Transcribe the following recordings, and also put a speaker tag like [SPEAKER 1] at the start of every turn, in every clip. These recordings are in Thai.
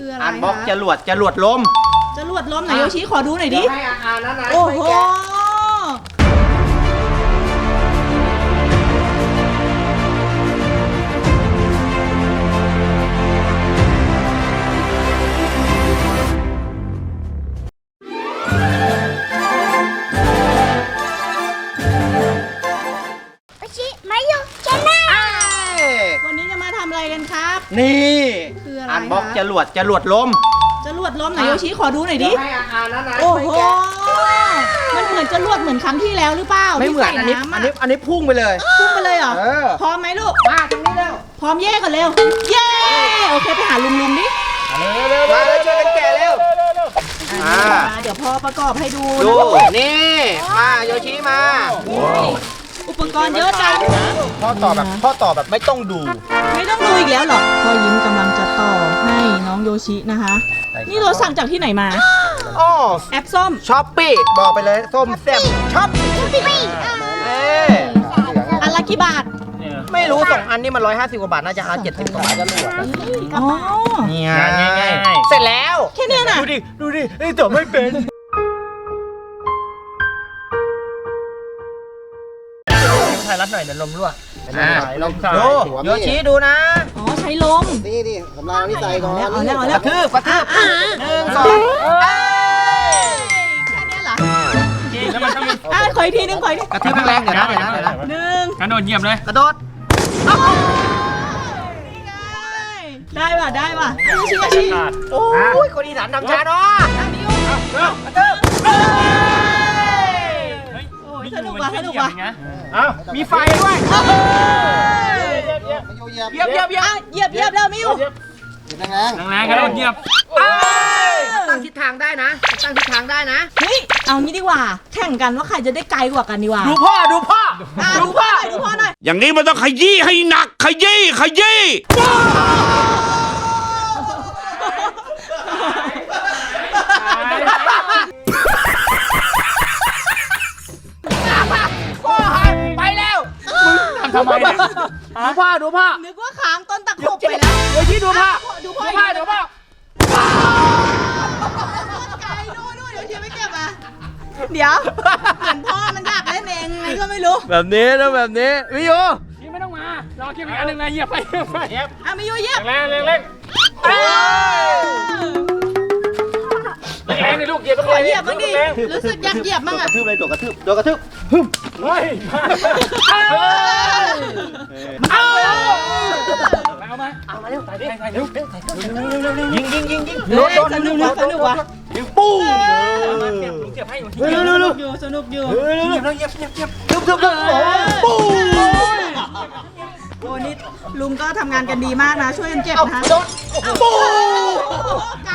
[SPEAKER 1] คืออะไร
[SPEAKER 2] อันบล็อกจรวดลม
[SPEAKER 1] จรวดลมไหนโยชิขอดูหน่อยดิ
[SPEAKER 2] ให้อานั้นนะ
[SPEAKER 1] โอ้โหวันนี้จะมาทำอะไรกันครับ
[SPEAKER 2] นี่
[SPEAKER 1] คืออะไร
[SPEAKER 2] อันบล็อกจรวดลม
[SPEAKER 1] ไหนโยชิขอดูหน่อยดิ
[SPEAKER 2] ให้อานั้นนะ
[SPEAKER 1] โอ้โหมันเหมือนจรวดเหมือนครั้งที่แล้วหรือเปล่า
[SPEAKER 2] ไม่เหมือนอันนี้พุ่งไปเลย
[SPEAKER 1] พุ่งไปเลยเหรอพร้อมไหมลูก
[SPEAKER 2] มาตรงนี้เร็ว
[SPEAKER 1] พร้อมแยกกันเร็วเย้โอเคไปหาลุงดิ
[SPEAKER 2] มาเลยช่วยกันแกะเร็ว
[SPEAKER 1] เดี๋ยวพ่อประกอบให้ดู
[SPEAKER 2] นี่มาโยชิมา
[SPEAKER 1] อุปกรณ์เยอะจัง
[SPEAKER 2] พ่อต่อแบบไม่ต้องดู
[SPEAKER 1] อีกแล้วหรอพ่อยิ้มกำลังจะต่อให้น้องโยชินะคะนี่เราสั่งจากที่ไหนมาแอปส้ม
[SPEAKER 2] ช้อปปี้บอกไปเลยส้มแซ่บช้อปปี้
[SPEAKER 1] อันละกี่บาท
[SPEAKER 2] ไม่รู้2 อันนี่มัน150 กว่าบาทน่าจะ70 กว่าบาทก็รู้
[SPEAKER 1] อ๋อ
[SPEAKER 2] เนี่ยง่ายเสร็จแล้ว
[SPEAKER 1] แค่นี้นะ
[SPEAKER 2] ดูดินี่ต่อไม่เป็นถ่ายรัดหน่อยเดี๋ยวลมรั่วโยชิดูนะ
[SPEAKER 1] อ๋อใช้ลม
[SPEAKER 3] นี่กำลังนี่ใส่ก่อน
[SPEAKER 1] เอาแล้ว
[SPEAKER 2] กระทืบ1 2
[SPEAKER 1] แค่นี้เหรอ
[SPEAKER 4] แล้วมันต้องมี
[SPEAKER 1] ขออีกทีนึง
[SPEAKER 2] กระทืบแรงเดี๋ยวนะ
[SPEAKER 4] กระโดดเหยียบเลย
[SPEAKER 2] กระโดด
[SPEAKER 1] ได้ป่ะชิ
[SPEAKER 2] โอ้ยคนอีสานทำช้าเนาะกระทืบ
[SPEAKER 1] สนุกว่ะ
[SPEAKER 2] มีไฟด้วยเหยียบ
[SPEAKER 1] แล้วมิว
[SPEAKER 3] แรง
[SPEAKER 4] กระโดดเหยียบ
[SPEAKER 2] ตั้งทิศทางได้นะ
[SPEAKER 1] เฮ้ยเอางี้ดีกว่าแข่งกันว่าใครจะได้ไกลกว่ากันดีกว่า
[SPEAKER 2] ดูพ่อห
[SPEAKER 1] น่อย
[SPEAKER 5] อย่างนี้มันต้องขยี้ให้หนักขยี้
[SPEAKER 2] ไปแล้ว
[SPEAKER 4] ทำไมเนี่ย
[SPEAKER 2] ดูพ่อ
[SPEAKER 1] นึกว่าค้างต้นตะขบไปแล้ว
[SPEAKER 2] เดี๋ยวชี้ดูพ่อไกลดู
[SPEAKER 1] เดี๋ยวเชียร์ไม่เก็บอ่ะเดี๋ยวเหมือนพ่อมันอยากเล่นเองไงก็ไม่รู้
[SPEAKER 2] แบบนี้วิโย
[SPEAKER 4] นี่ไม่ต้องมารอเก็บอีกอันหนึ่งนะเหยียบไป
[SPEAKER 1] มิโยเหยียบ
[SPEAKER 4] แรงแรงนี่ลูกเหยียบ
[SPEAKER 1] ขอเหยียบบ้างดิรู้สึกอยากเหยียบบ้างอ่ะ
[SPEAKER 2] กระทืบเลยตัวกระทืบ
[SPEAKER 4] เอามาเร็วใส่เร็วยิง
[SPEAKER 1] สนุกว่ะ
[SPEAKER 2] ปุ้ง
[SPEAKER 4] เก็บให้
[SPEAKER 1] สนุกอยู่
[SPEAKER 2] เหยียบปุ้ง
[SPEAKER 1] โอ้นี่ลุงก็ทำงานกันดีมากนะช่วยกันเก็บนะ
[SPEAKER 2] ปุ้ง
[SPEAKER 1] ไกล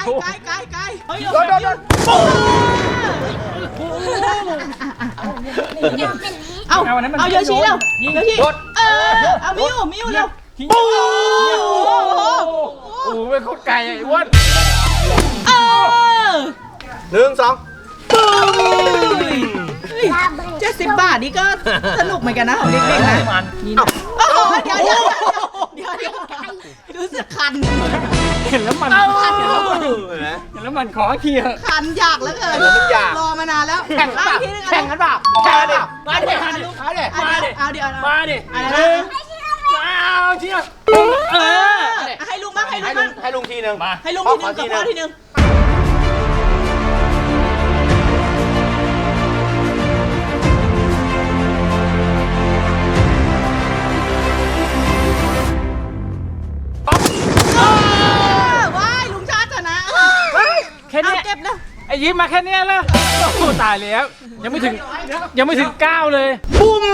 [SPEAKER 1] เอาโยชิเร็วโยชิเอามิวเร็ว
[SPEAKER 2] ปุ้ง
[SPEAKER 4] โอ้เป็นโคตรไกลไอ้อ้วน
[SPEAKER 2] 1 2ปุ้ง
[SPEAKER 1] 70 บาทนี่ก็สนุกเหมือนกันนะของเด็กๆนะนี่นะเดี๋ยวรู้สึกคัน
[SPEAKER 4] เห็นแล้วมันขอเคลียร์
[SPEAKER 1] คันอยากแล้วเกินรอมานานแล้ว
[SPEAKER 2] แข่งกันเปล่ามาดิ
[SPEAKER 1] เอาเดี๋ยว
[SPEAKER 4] มาดิเชียร์
[SPEAKER 1] ให้ลุงบ้าง
[SPEAKER 2] ให้ลุงทีนึง
[SPEAKER 1] ให้ลุงทีนึงกับพ่อทีนึงว้ายลุงชาติชนะ
[SPEAKER 4] แค่นี้
[SPEAKER 1] เก็บแล้ว
[SPEAKER 4] ไอ้ยิ้มมาแค่นี้แล้วโอ้ตายแล้วยังไม่ถึง9เลย
[SPEAKER 2] ปุ้ม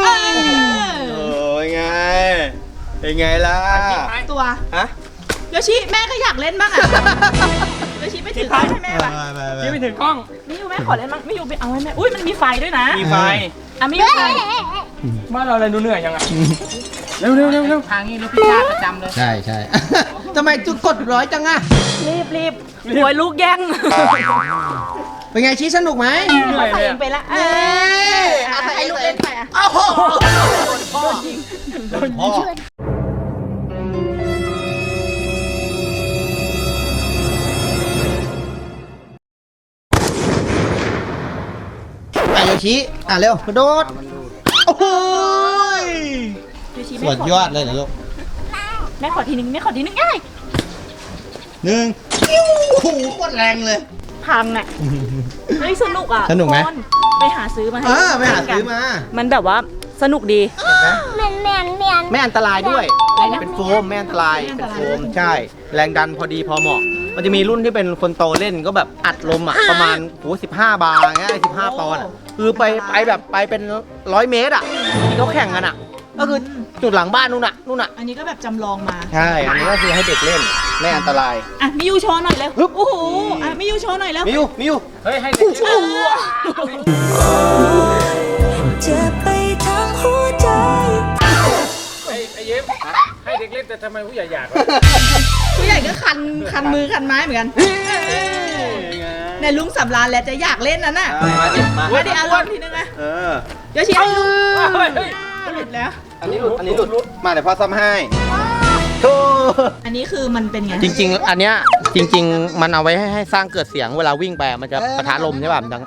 [SPEAKER 2] เป็นไงล่ะ
[SPEAKER 1] ตัวโยชิแม่ก็อยากเล่นบ้างอ่ะโยชิไม่ถือกล้องให้แม่ป่ะ
[SPEAKER 4] ยิ้มไม่ถือกล้อง
[SPEAKER 1] มิวแม่ขอเล่นบ้างมิวไปเอาให้แม่อุ้ยมันมีไฟด้วยนะ
[SPEAKER 4] มีไฟ
[SPEAKER 1] มิวไฟ
[SPEAKER 4] บ้านเราอะไรดูเหนื่อยยังไงเร็ว
[SPEAKER 2] ทางนี้รถพิฆาตประจำเลย
[SPEAKER 3] ใช่
[SPEAKER 2] ทำไมจุดกด100จังอะ
[SPEAKER 1] รีบหวยลูกแย่ง
[SPEAKER 3] เป็นไงชี้สนุกไหม
[SPEAKER 1] ใส่ไปละให้ลูกเล่นไปอ่ะ
[SPEAKER 2] โดนยิง
[SPEAKER 3] ชี้เร็วกระโดดโอ้โห
[SPEAKER 1] โยชิ
[SPEAKER 3] สุดยอดเลยนะลูก
[SPEAKER 1] แม่ขอทีนึงแม่ขอทีนึงง่าย
[SPEAKER 3] 1โอ้โหโคตรแรงเลย
[SPEAKER 1] พังอ่ะเฮ้ยสนุกอ่ะ
[SPEAKER 3] สนุกไหม
[SPEAKER 1] ทุคนไปหาซื้อมาให้
[SPEAKER 3] ไปหาซื้อมา
[SPEAKER 1] มันแบบว่าสนุกดี
[SPEAKER 3] ไม่อันตรายด้วย
[SPEAKER 1] อะไรนะ
[SPEAKER 3] เป็นโฟมไม่อันตราย
[SPEAKER 1] ไม่อันต
[SPEAKER 3] เป็น
[SPEAKER 1] ราย
[SPEAKER 3] โฟมใช่ แรงดันพอดีพอเหมาะ มันจะมีรุ่นที่เป็นคนโตเล่นก็แบบอัดลมประมาณ15 บาร์เงี้ย15 ปอนด์คือไปแบบไปเป็น100 เมตรที่เขาแข่งกันก็คือจุดหลังบ้านนู่นน่ะ
[SPEAKER 1] อันนี้ก็แบบจำลองมา
[SPEAKER 3] ใช่ อันนี้ก็คือให้เด็กเล่นไม่อันตราย
[SPEAKER 1] อ่ะมิยูโชว์หน่อยเร็วโอ้โหอ่ะมิยูโชว์หน่อยเร็ว
[SPEAKER 3] มิว
[SPEAKER 4] เฮ้ยให้เด็ก
[SPEAKER 6] จะไปทางหัวใจ
[SPEAKER 4] ไอ้เย็บให้เด็กเล่นแต่ทำไมผู้ใหญ่อยากวะ
[SPEAKER 1] ผู้ใหญ่ก็คันมือคันไม้เหมือนกันในลุงสำราญแล้วจะอยากเล่นนั่นน่ะ ไม่ได้อารมณ์ทีนึงนะโยชิเอาลูก
[SPEAKER 4] เฮ้ย
[SPEAKER 1] หลุดแล้ว
[SPEAKER 3] อันนี้หลุดมาเดี๋ยวพ่อซ่อมให้โธ่
[SPEAKER 1] อันนี้คือมันเป็นไง
[SPEAKER 3] จริงๆ อันเนี้ยจริง ๆ มันเอาไว้ให้สร้างเกิดเสียงเวลาวิ่งไปมันจะปะทะลมใช่ป่ะมันดัง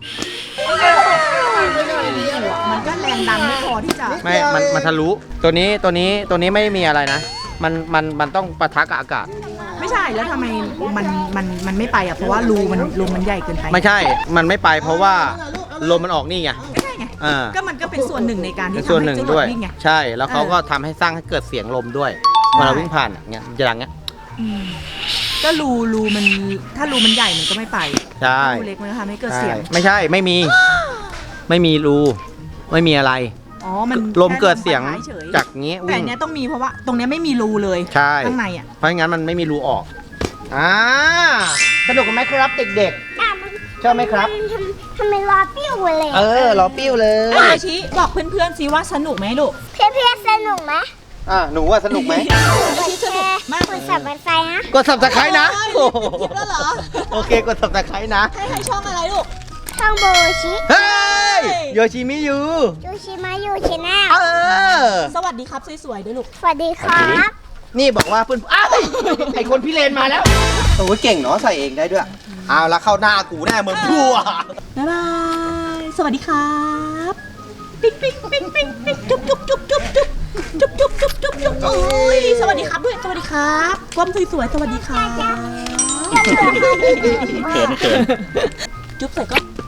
[SPEAKER 1] มันก็แรงดันไม่พอที่จะ
[SPEAKER 3] ไม่มันทะลุตัวนี้ไม่มีอะไรนะ มันต้องปะทะกับอากาศ
[SPEAKER 1] ไม่ใช่แล้วทำไมมันไม่ไปอ่ะเพราะว่ารูมันใหญ่เกินไป
[SPEAKER 3] ไม่ใช่ มันไม่ไปเพราะว่าลมมันออกนี่ไง
[SPEAKER 1] ไม่ใช่ไงก็มันก็เป็นส่วนหนึ่งในการที่
[SPEAKER 3] ส่วน
[SPEAKER 1] ทำ
[SPEAKER 3] ห
[SPEAKER 1] ให้
[SPEAKER 3] นึ่ง
[SPEAKER 1] จรว
[SPEAKER 3] ด้
[SPEAKER 1] ด
[SPEAKER 3] วย
[SPEAKER 1] วิ่งไง
[SPEAKER 3] ใช่ แล้วเขาก็ทำให้สร้างให้เกิดเสียงลมด้วยเวลาวิ่งผ่านอย่างเงี้ยจะดังเงี้ย
[SPEAKER 1] ก็รูมันถ้ารูมันใหญ่มันก็ไม่ไป
[SPEAKER 3] ใช่
[SPEAKER 1] รูเล็กมันก็ทำให้เกิดเสียง
[SPEAKER 3] ไม่ใช่ไม่มีรูไม่มีอะไร
[SPEAKER 1] อ๋อมัน
[SPEAKER 3] ลมเกิดเสียง
[SPEAKER 1] แค่ลมปะทะเฉย
[SPEAKER 3] จากงี้
[SPEAKER 1] แต่
[SPEAKER 3] วิ่
[SPEAKER 1] อั
[SPEAKER 3] ง
[SPEAKER 1] นเนี้ยต้องมีเพราะว่าตรงเนี้ยไม่มีรูเลย
[SPEAKER 3] ใช่
[SPEAKER 1] ข้างในอ่ะ
[SPEAKER 3] เพราะงั้นมันไม่มีรูออกสนุกไหมครับเด็กๆชอบไหมครับ
[SPEAKER 6] ทำไมรอปิ้วเลย
[SPEAKER 3] รอปิ้วเลย
[SPEAKER 1] ไอชิบอกเพื่อนๆสิว่าสนุกไหมลูก
[SPEAKER 6] เพื่อนๆสนุกไหม
[SPEAKER 3] หนูว่าสนุกไหม
[SPEAKER 1] โยชิสนุกมาก
[SPEAKER 6] กดสับบันไฟนะ
[SPEAKER 3] กด subscribe นะ
[SPEAKER 1] โอ้ยคลิปแล้วเหรอ
[SPEAKER 3] โอเคกด subscribe นะ
[SPEAKER 1] ให้ช่องอะไรลูก
[SPEAKER 6] ช่องโบชิ
[SPEAKER 3] เฮ้ยโยชิมิยู
[SPEAKER 6] ยูชิมายูชแนล
[SPEAKER 1] สวัสดีครับสวยๆด้วยลูก
[SPEAKER 6] สวัสดีครับ
[SPEAKER 3] นี่บอกว่าเพื่อนไอคนพี่เลนมาแล้วโอ้ยเก่งเนาะใส่เองได้ด้วยเอาละเข้าหน้ากูแน่มึงพัว
[SPEAKER 1] บ๊ายบาย สวัสดีครับปิ๊งปิ๊งปิ๊งปิ๊งปิ๊งจุ๊บจุ๊บจุ๊บจุ๊บจุ๊บจุ๊บจุ๊บจุ๊บจุ๊บจุ๊บโอ้ยสวัสดีครับด้วยสวัสดีครับก้มสวยๆสวัสดีครับเขินจุ๊บใส่ก็